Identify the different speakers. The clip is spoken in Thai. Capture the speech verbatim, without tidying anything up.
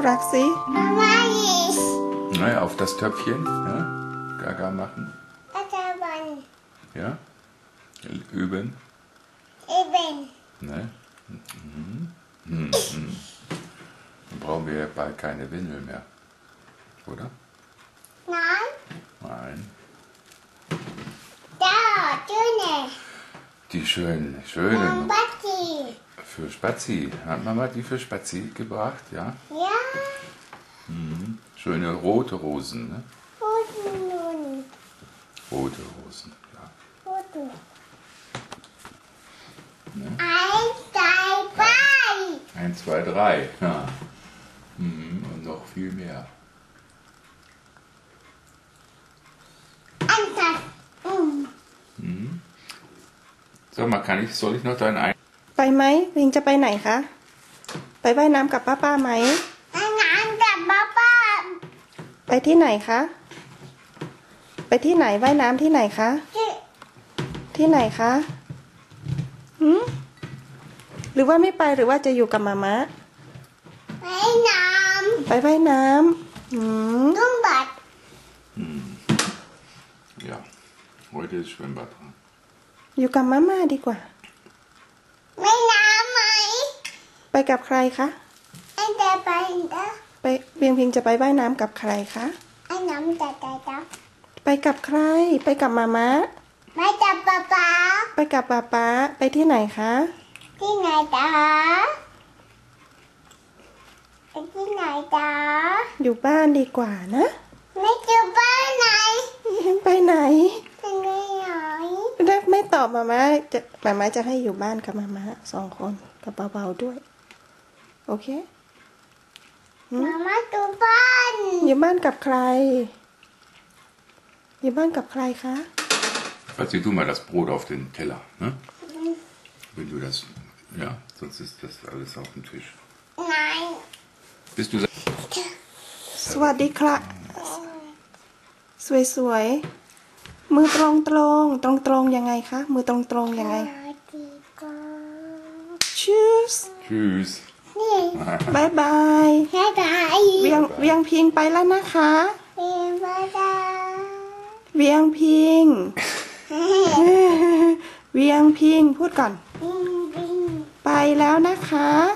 Speaker 1: รักสิ
Speaker 2: Naja, auf das Töpfchen, ja? Gaga machen. Ja? Üben.
Speaker 3: Üben.
Speaker 2: Ne? Mhm. Mhm. Dann brauchen wir ja bald keine Windel mehr. Oder?
Speaker 3: Nein.
Speaker 2: Nein.
Speaker 3: Da, schöne.
Speaker 2: Die schönen, schönen.
Speaker 3: Spazi.
Speaker 2: Für Spazi. Hat Mama die für Spazi gebracht, ja?
Speaker 3: Ja.
Speaker 2: Mhm. Schöne rote Rosen, ne?
Speaker 3: Roten.
Speaker 2: Rote Rosen, ja.
Speaker 3: Roten.
Speaker 2: Ne?
Speaker 3: Eins, zwei, drei.
Speaker 2: Eins, zwei, drei. Ja. Mhm. Und noch viel mehr.
Speaker 3: Eins, zwei.
Speaker 2: Mhm. Sag mal, kann ich, soll ich noch deinen Ein...
Speaker 1: ไปไหมวิงจะไปไหนคะไปว่ายน้ำกับป้าป้าไหม
Speaker 3: น้ำกับป้าป้า
Speaker 1: ไปที่ไหนคะไปที่ไหนว่ายน้ำที่ไหนคะ
Speaker 3: ที่
Speaker 1: ที่ไหนคะหืมหรือว่าไม่ไปหรือว่าจะอยู่กับมามะ
Speaker 3: ไปน้
Speaker 1: ไปว่ายน้ำหืม
Speaker 3: ำตุ้มบัด
Speaker 2: Mhm. Ja, heute ist Schwimmbad dran.
Speaker 1: อยู่กับมาม่าดีกว่า
Speaker 3: ไม่น้ำไหม
Speaker 1: ไปกับใครคะ
Speaker 3: ไอ้เด็กไปนะ
Speaker 1: ไปเวียงพิงจะไปว่ายน้ำกับใครคะ
Speaker 3: ไอ้น้ำจะจะจะ
Speaker 1: ไปกับใคร ไปกับมามะ
Speaker 3: ไม่จับป้าป้า
Speaker 1: ไปกับป๊าป๊าไปที่ไหนคะ
Speaker 3: ที่ไหนจ๊ะไปที่ไหนจ๊ะ
Speaker 1: อยู่บ้านดีกว่านะ
Speaker 3: ไม่จะไปไหน
Speaker 1: ไปไหน
Speaker 3: ไปไหน
Speaker 1: ได้ไม่ตอบมาม่าจะมาม่าจะให้อยู่บ้านกับมาม่าสองคนกับเบาๆด้วย โอเค
Speaker 3: มาม่าตัวบ้าน
Speaker 1: อยู่บ้านกับใคร อยู่บ้านกับใครคะ
Speaker 2: Verzieh du mal das Brot auf den Teller, ne? Wenn du das... Ja, sonst ist das alles auf dem Tisch.
Speaker 3: ไหน
Speaker 2: Bist du...
Speaker 1: สวัสดีครับสวยๆมือตรงตรงตรงตรงๆยังไงคะมือตรงตรงๆยังไง
Speaker 3: ดีกว่า
Speaker 1: Tschüss
Speaker 2: Tschüss.
Speaker 3: นี่
Speaker 1: บายบาย
Speaker 3: แค่ไหน
Speaker 1: เวียงเวียงพิงไปแล้วนะคะ
Speaker 3: เป็นบ้าจ้า
Speaker 1: เวียงพิง เวียงพิงพูดก่อน
Speaker 3: บินบิน
Speaker 1: ไปแล้วนะคะ